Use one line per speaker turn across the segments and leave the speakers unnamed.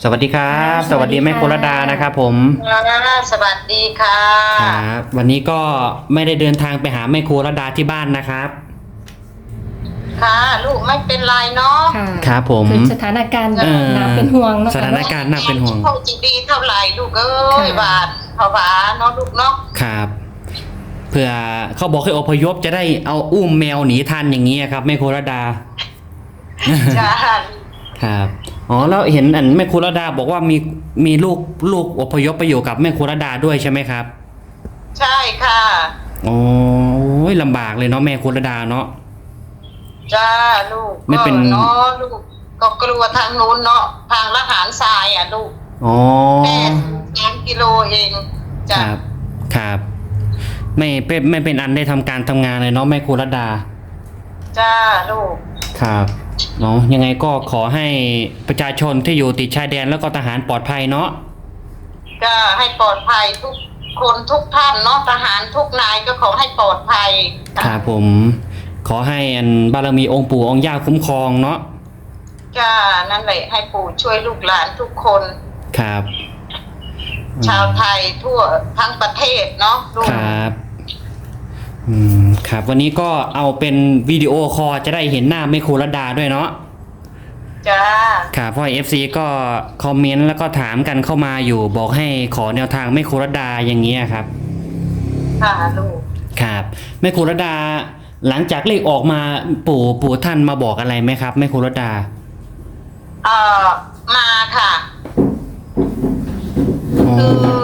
สวัสดีครับสวัสดีแม่โครดานะครับผม
สวัสดีค่ะ
ครับวันนี้ก็ไม่ได้เดินทางไปหาแม่โครดาที่บ้านนะครับ
ค่ะลูกไม่เป็นไรเนาะ
ค่ะ
ครับผม
คือสถานการณ์น่าเป็นห่วงเนาะ
สถานการณ์น่าเป็นห่วง
เขาจะดีเท่าไหร่ลูกเอ้ยบาทภาวะเนาะลูกเนาะ
ครับเผื่อเขาบอกให้อพยพจะได้เอาอุ้มแมวหนีทันอย่างนี้ครับแม่โครดา
จ้า
ครับอ๋อแล้วเห็นแม่โครดาบอกว่ามีลูกอพยพไปอยู่กับแม่โครดาด้วยใช่ไหมครับ
ใช่ค่ะ
โอ้ยลำบากเลยเนาะแม่โครดาเนาะ
จ้าลูก
ไม่เป็น
เนาะลูกก็กลัวทางนู้นเนาะทางละหารทรายอ่ะลูก
อ๋อ
แค่3 กิโลเอง
จ้ะครับไม่เป็นอันได้ทำการทำงานเลยเนาะแม่โครดา
จ้าลูก
ครับเนาะยังไงก็ขอให้ประชาชนที่อยู่ติดชายแดนแล้วก็ทหารปลอดภัยเนาะ
ก็ให้ปลอดภัยทุกคนทุกท่านเนาะทหารทุกนายก็ขอให้ปลอดภัย
ครับผมขอให้บารมีองค์ปู่องค์ย่าคุ้มครองเนาะ
จ้านั่นแหละให้ปู่ช่วยลูกหลานทุกคน
ครับ
ชาวไทยทั่วทั้งประเทศเนาะ
ครับครับวันนี้ก็เอาเป็นวิดีโอคอลจะได้เห็นหน้าแม่โครดาด้วยเนาะ
จ้า
ครับเพราะ FC ก็คอมเมนต์แล้วก็ถามกันเข้ามาอยู่บอกให้ขอแนวทางแม่โครดาอย่างเงี้ยครับ
ค่ะลูก
ครับแม่โครดาหลังจากเลขออกมาปู่ท่านมาบอกอะไรไหมครับแม่โครดา
มาค่ะคือ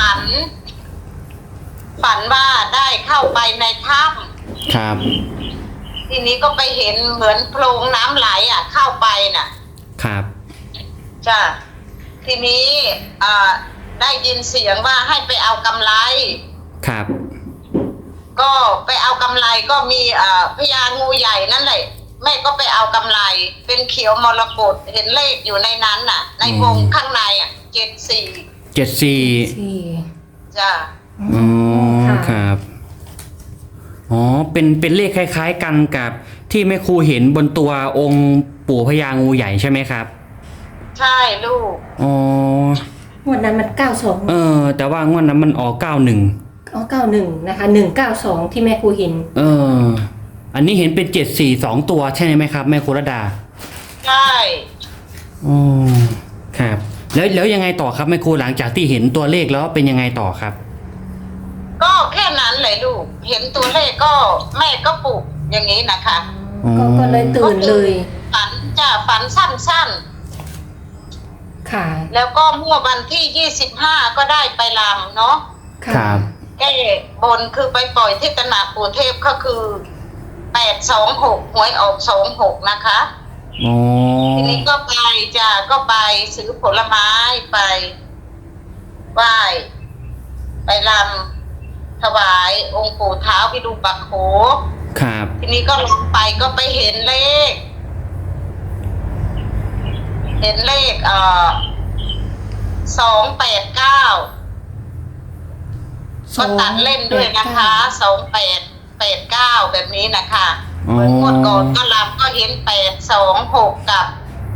ฝันว่าได้เข้าไปในถ้
ำครับ
ทีนี้ก็ไปเห็นเหมือนโพรงน้ำไหลเข้าไปน่ะ
ครับ
จ้ะทีนี้ได้ยินเสียงว่าให้ไปเอากำไร
ครับ
ก็ไปเอากำไรก็มีพญางูใหญ่นั่นแหละแม่ก็ไปเอากำไรเป็นเขียวมรกตเห็นเลขอยู่ในนั้นน่ะในวงข้างใน74จ้ะ
อ๋อครับอ๋อเป็นเลขคล้ายๆกันกับที่แม่ครูเห็นบนตัวองค์ปู่พญางูใหญ่ใช่ไหมครับ
ใช่ลูก
อ๋อง
วดนั้นมัน92
แต่ว่างวดนั้นมันออก91
อ๋อ91นะคะ192ที่แม่ครูเห็น
อันนี้เห็นเป็น74 2ตัวใช่ไหมครับแม่โครดา
ใช่
อ๋อครับแล้วยังไงต่อครับแม่ครูหลังจากที่เห็นตัวเลขแล้วเป็นยังไงต่อครับ
ก็แค่นั้นเลยลูกเห็นตัวเลขก็แม่ก็ปลุกอย่างนี้นะคะ
ก็เลยตื่นเลย
ฝันสั้นๆ
ค่ะ
แล้วก็เมื่อวันที่25ก็ได้ไปรำเนาะ
ครับ
แก้บนคือไปปล่อยที่ตลาดปู่เทพก็คือ826หวยออก26นะคะทีนี้ก็ไปซื้อผลไม้ไปไหว้ไปรำถวายองค์ปู่เท้าวิรูปักโข
ครับ
ทีนี้ก็ลงไปก็ไปเห็นเลข289ก็ตัดเล่นด้วยนะคะ2889แบบนี้นะคะเหมือนงวดก่อนก็รำก็เห็น826กับ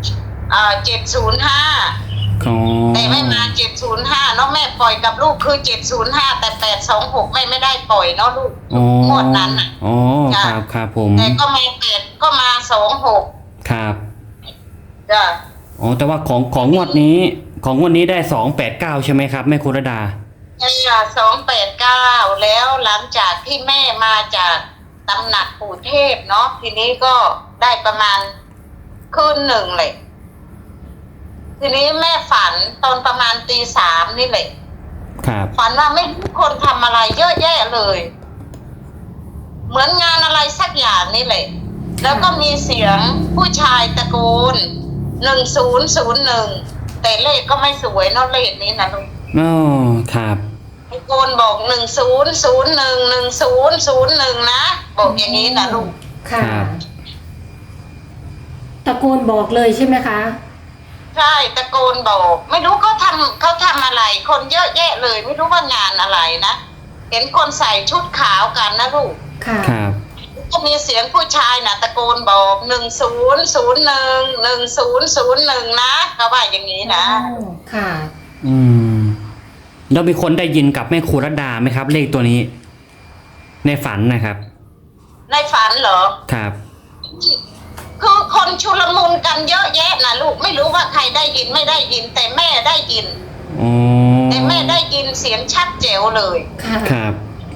705แต่ไม่มา705เนาะแม่ปล่อยกับลูกคือ705แต่826ไม่ได้ปล่อยเนาะลูกงวดนั้นน่ะ
อ๋อครับผม
แต่ก็มา8ก็มา26
ครับ
จ้ะ
อ๋อแต่ว่าของงวดนี้ได้289ใช่ไหมครับแม่โครดา
ใช่289แล้วหลังจากที่แม่มาจากตำหนักปู่เทพเนาะทีนี้ก็ได้ประมาณคืนหนึ่งเลยทีนี้แม่ฝันตอนประมาณตี 3นี่แหละฝันว่าไม่รู้คนทำอะไรเยอะแยะเลยเหมือนงานอะไรสักอย่างนี่แหละแล้วก็มีเสียงผู้ชายตะโกน1001แต่เลขก็ไม่สวยเนาะเลขนี้นะลูก
ครับ
ตะโกนบอก10011001นะบอกอย่างนี้นะลูก
ค่ะตะโกนบอกเลยใช่ไหมคะ
ใช่ตะโกนบอกไม่รู้เขาทำอะไรคนเยอะแยะเลยไม่รู้ว่างานอะไรนะเห็นคนใส่ชุดขาวกันนะลูก
ครับ
ก็มีเสียงผู้ชายน่ะตะโกนบอก10011001นะเขาว่าอย่างนี้นะ
อ๋อค่ะ
อืมแล้วมีคนได้ยินกับแม่ครูรัตดาไหมครับ เลขตัวนี้ ในฝันนะครับ
ในฝันเหรอ
ครับ
คือคนชุลมุนกันเยอะแยะนะลูกไม่รู้ว่าใครได้ยินไม่ได้ยิน แต่แม่ได้ยิน
อ๋อ
แต่แม่ได้ยินเสียงชัดเจ๋วเลย
ค่ะ
ครับ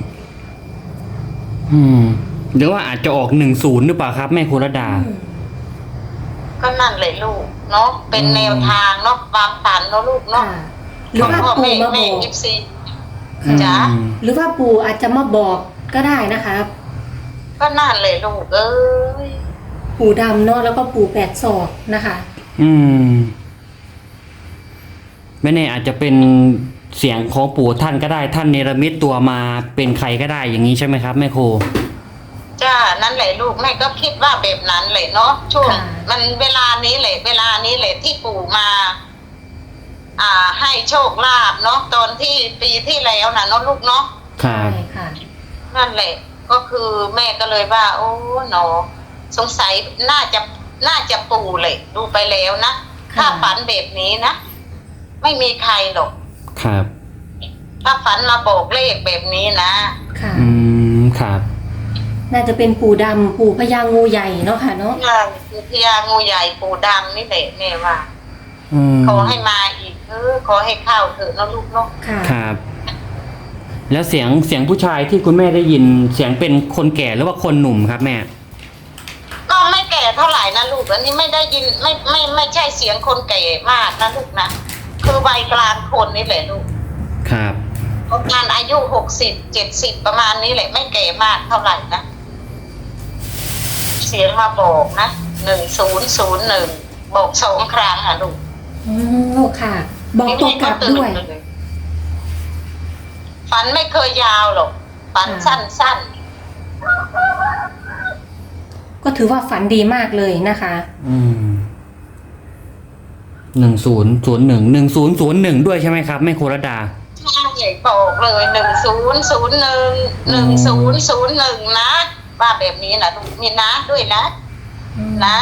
หรือว่าอาจจะออก10หรือเปล่าครับแม่ครูรัตดา
ก็นั่นเลยลูกเนาะเป็นแนวทางเนาะความฝันเนาะลูก
ค่ะ
เนาะ
หรือว่า
พ่อ
ปู่
แม่
มาบ
แม่
อก
ยิปซี
ค่ะ
จ๋า
หรือว่าปู่อาจจะมาบอกก็ได้นะคะ
ก็นั่นเลยลูกเอ้ย
ปู่ดำเนาะแล้วก็ปู่แปดศอกนะคะ
ไม่แน่อาจจะเป็นเสียงของปู่ท่านก็ได้ท่านเนรมิตตัวมาเป็นใครก็ได้อย่างนี้ใช่ไหมครับแม่ครู
จ้านั่นแหละลูกแม่ก็คิดว่าแบบนั้นเลยเนาะช่วง
ค่ะ
มันเวลานี้แหละที่ปู่มา ให้โชคลาภเนาะตอนที่ปีที่แล้วนะเนาะลูกเนาะ
ครับ
ใช่ค่ะ
นั่นแหละ ก็คือแม่ก็เลยว่า โอ้หนอสงสัยน่าจะปู่เลยดูไปแล้วนะ
ค่ะ
ถ้าฝันแบบนี้นะไม่มีใครหรอก
ครับ
ถ้าฝันมาบอกเลขแบบนี้นะ
ค่ะ
ครับ
น่าจะเป็นปู่ดำปู่พญางูใหญ่เนาะค่ะเนาะ
คือพญางูใหญ่ปู่ดำนี่แหละแม่ว่า ขอให้มาอีกขอให้เข้าเถอะเนาะลูกเนาะ
ค่ะ
ครับ แล้วเสียงผู้ชายที่คุณแม่ได้ยินเสียงเป็นคนแก่หรือว่าคนหนุ่มครับแม่
ก็ไม่แก่เท่าไหร่นะลูกอันนี้ไม่ได้ยินไม่ใช่เสียงคนแก่มากนะลูกนะคือวัยกลางคนนี่แหละลูก
ครับ
ประมาณอายุ60-70ประมาณนี้แหละไม่แก่มากเท่าไหร่นะเสียงมาบอกนะ1001บอก2 ครั้งอ่ะลูก
อ๋อค่ะ บอกตัวกลับด้วย
ฝันไม่เคยยาวหรอกฝันสั้น
ก็ถือว่าฝันดีมากเลยนะคะ
1001ด้วยใช่ไหมครับแม่ครูรัตดา
ๆใช่บอกเลย1001นะว่าแบบนี้นะลูกมีนะด้วยนะนะ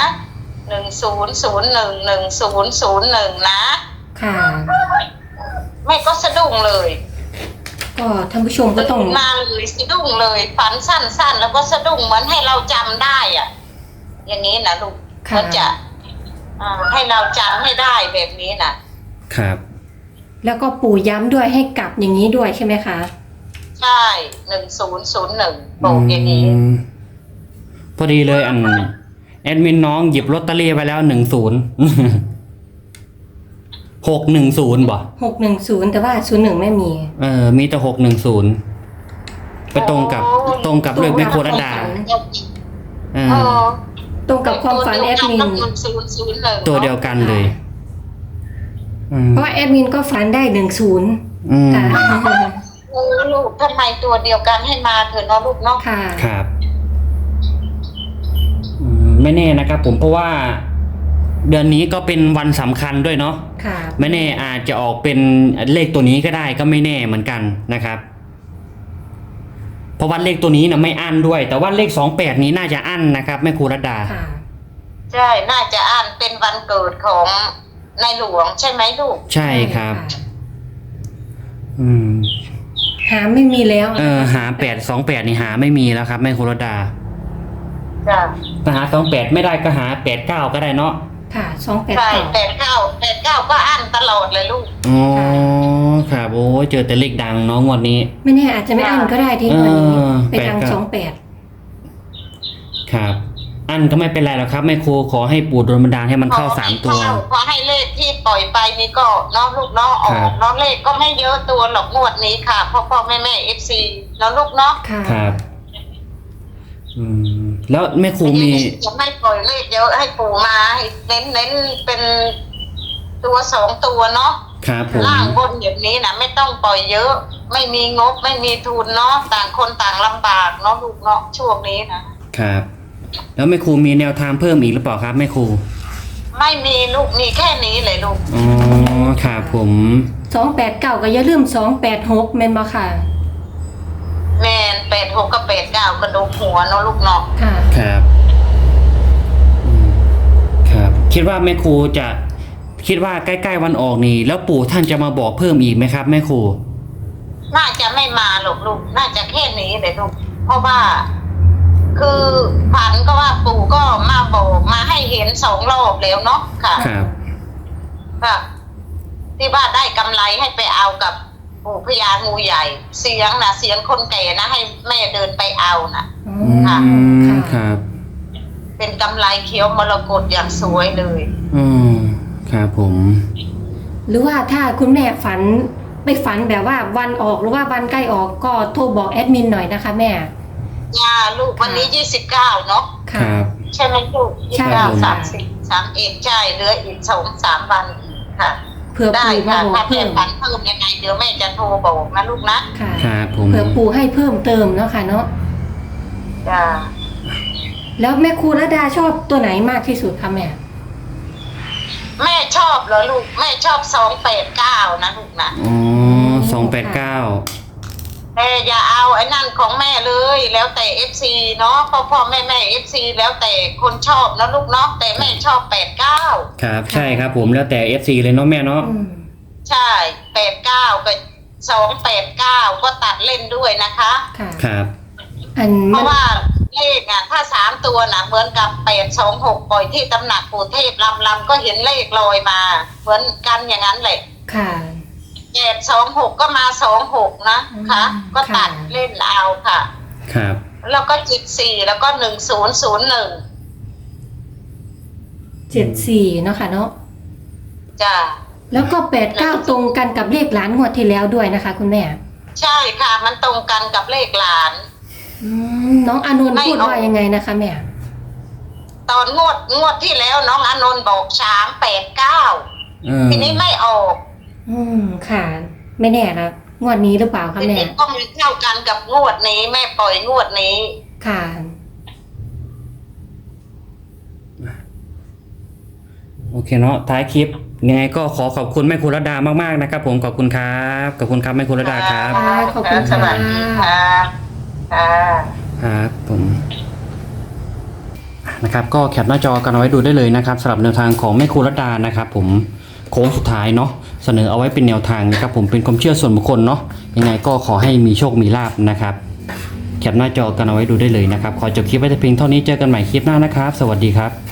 10011001นะ
ค่ะ
แม่ก็สะดุ้งเลย
ก็ท่านผู้ชมก็ต้อง
มาเลยสะดุ้งเลยฝันสั้นๆแล้วก็สะดุ้งเหมือนให้เราจำได้อ่ะ อย่างนี้นะลูก
ค่ะ
มันจะให้เราจำให้ได้แบบนี้นะครับ
แล้วก็ปู่ย้ำด้วยให้กลับอย่างนี้ด้วยใช่ไหมคะ
ใช่1001บอกอย่างนี้
พอดีเลยแอดมินน้องหยิบลอตเตอรี่ไปแล้ว10 610บ่
610แต่ว่า01ไม่มี
มีแต่610ไปตรงกับเลขแม่ครูรัตดา
อ๋อ
ตรงกับความฝันแอดมิน
1001
ตัวเดียวกันเลย
เพราะว่าแอดมินก็ฝันได้10ค่ะ
โอ้ลูกทำไมตัวเดียวกันให้มาเถอะเนาะลูกเนาะ
ค่ะ
ครับไม่แน่นะครับผมเพราะว่า เดือนนี้ก็เป็นวันสำคัญด้วยเนาะ
ค่ะ
ไม่แน่อาจจะออกเป็นเลขตัวนี้ก็ได้ก็ไม่แน่เหมือนกันนะครับ เพราะว่าเลขตัวนี้นะไม่อั้นด้วย แต่ว่าเลข28นี้น่าจะอั้นนะครับแม่ครูรัตดา
ค่ะ
ใช่น่าจะอ่านเป็นวันเกิดของในหลวงใช่ไหมลูก
ใช่ครับ
หาไม่มีแล้ว
หา828นี่หาไม่มีแล้วครับแม่ครูรัตดา
จ้ะ
ถ้าหา28ไม่ได้ก็หา89ก็ได้เนาะ
ค่ะ
ใช่
289
89ก็อ่านตลอดเลยลูก
อ๋อครับโอ้ยเจอแต่เลขดังเนาะงวดนี้
ไม่แน่อาจจะไม่อันก็ได้ที่วันนี้ไปทาง
88 ครับ อันก็ไม่เป็นไรหรอกครับแม่ครูขอให้ปู่โดนบันดาลให้มันเข้า3ตัว
ขอให้เลขที่ปล่อยไปนี่ก็เนาะลูกเนาะออ
ครั
ก
บ
เนาะเลขก็ไม่เยอะตัวหรอกงวดนี้ค่ะพ่อแม่FC เนาะลูกเนาะ
ค่ะ
ครับ แล้วแม่ครูมี
จะไม่ปล่อยเลขเยอะให้ปู่มาให้เน้นเป็นตัว2ตัวเนาะ
ครับผม
ล่างบนแบบนี้นะไม่ต้องปล่อยเยอะ ไม่มีงบไม่มีทุนเนาะต่างคนต่างลำบากเนาะลูกเนาะช่วงนี้นะครับ
แล้วแม่ครูมีแนวทางเพิ่มอีกหรือเปล่าครับแม่ครู
ไม่มีลูกมีแค่นี้เลยลูก
อ๋อครับผม
289ก็อย่าลืม286แม่นบ่ค่ะ
แมน 86กับ89กระดูกหัวเนาะลูกเนาะ
ค่ะ
ครับอืมครับ คิดว่าแม่ครูจะคิดว่าใกล้ๆวันออกนี่แล้วปู่ท่านจะมาบอกเพิ่มอีกไหมครับแม่ครู
น่าจะไม่มาหรอกลูกน่าจะแค่นี้เลยลูกเพราะว่า คือฝันก็ว่าปู่ก็มาบอกมาให้เห็น2 รอบแล้วเนาะค่ะ
ครับ
ค่ะที่ว่าได้กำไรให้ไปเอากับปู่พญางูใหญ่ เสียงคนแก่นะให้แม่เดินไปเอานะ
อ๋อ
ค่ะ
อืมครับ
เป็นกำไรเขียวมรกตอย่างสวยเลย
อืมครับผม
หรือว่าถ้าคุณแม่ฝันไปฝันแบบว่าวันออกหรือว่าวันใกล้ออกก็โทรบอกแอดมินหน่อยนะคะแม่
ลูกวันนี้29เนาะ
ค
ค่ะ
รับ
ใช่ไหมลูก
ใช่
29
ค่ะ
30 31ใช่เหลืออีก2-3 วันอีกค่ะ
เผื่อ
ได้
ปู่มา
ค่ะ
บอก
ถ้าแม่
เพิ่ม
ฝันเพิ่มยังไงเดี๋ยวแม่จะโทรบอกนะลูกนะ
ค่ะ
ครับผม
เผื่อปู่ให้เพิ่มเติมเนาะค่ะเนาะ
จ้า
แล้วแม่ครูระดาชอบตัวไหนมากที่สุดคะแม่
แม่ชอบเหรอลูกแม่ชอบ289นะลูกนะ
อ๋อ289
แต่อย่าเอาไอ้นั่นของแม่เลยแล้วแต่ FC เนาะพ่อแม่ FC แล้วแต่คนชอบนะลูกเนาะแต่แม่ชอบ89
ครับใช่ครับผมแล้วแต่ FC เลยเนาะแม่เนาะ
อืม
ใช่89กับ289ก็ตัดเล่นด้วยนะคะ
ค่ะ
ครับ
อัน
เพ
มัน
ราะว่าเลขอ่ะถ้า3 ตัวนะเหมือนกับ826ปล่อยที่ตำหนักปู่เทพลำก็เห็นเลขลอยมา เหมือนกันอย่างนั้นแหละ
ค่ะ
826ก็มา26นะคะ ก็ตัดเล่นเอาค่ะ
ครับ
แล้วก็74แล้วก็1001
74เนาะค่ะเนาะ
จ้า
แล้วก็89ตรงกันกับเลขหลานงวดที่แล้วด้วยนะคะ คุณแม่
ใช่ค่ะมันตรงกันกับเลขหลาน
น้องอานนท์
ไม่
พูด
เอา
ว่ายังไงนะคะแม่
ตอนงวดที่แล้วน้องอานนท์บอก389ทีนี้ไม่ออก
ค่ะ ไม่แน่นะงวดนี้หรือเปล่าคะ
ที
แม่
นี้ก็มีเข้ากันกับงวดนี้แม่ปล่อยงวดนี้
ค่ะ
โอเคเนาะท้ายคลิปยังไงก็ขอขอบคุณแม่ครูรัตดามากๆนะครับผมขอบคุณครับขอบคุณครับแม่ครูรัตดาครับ
ค่ะขอบคุณ
ส
ค่ะ
วัสดีค่ะค่ะ
ครับผมนะครับก็แคปหน้าจอกันเอาไว้ดูได้เลยนะครับสำหรับแนวทางของแม่ครูรัตดานะครับผมโค้งสุดท้ายเนาะเสนอเอาไว้เป็นแนวทางนะครับผมเป็นความเชื่อส่วนบุคคลเนาะยังไงก็ขอให้มีโชคมีลาภนะครับแคปหน้าจอกันเอาไว้ดูได้เลยนะครับขอจบคลิปไว้แต่เพียงเท่านี้เจอกันใหม่คลิปหน้านะครับสวัสดีครับ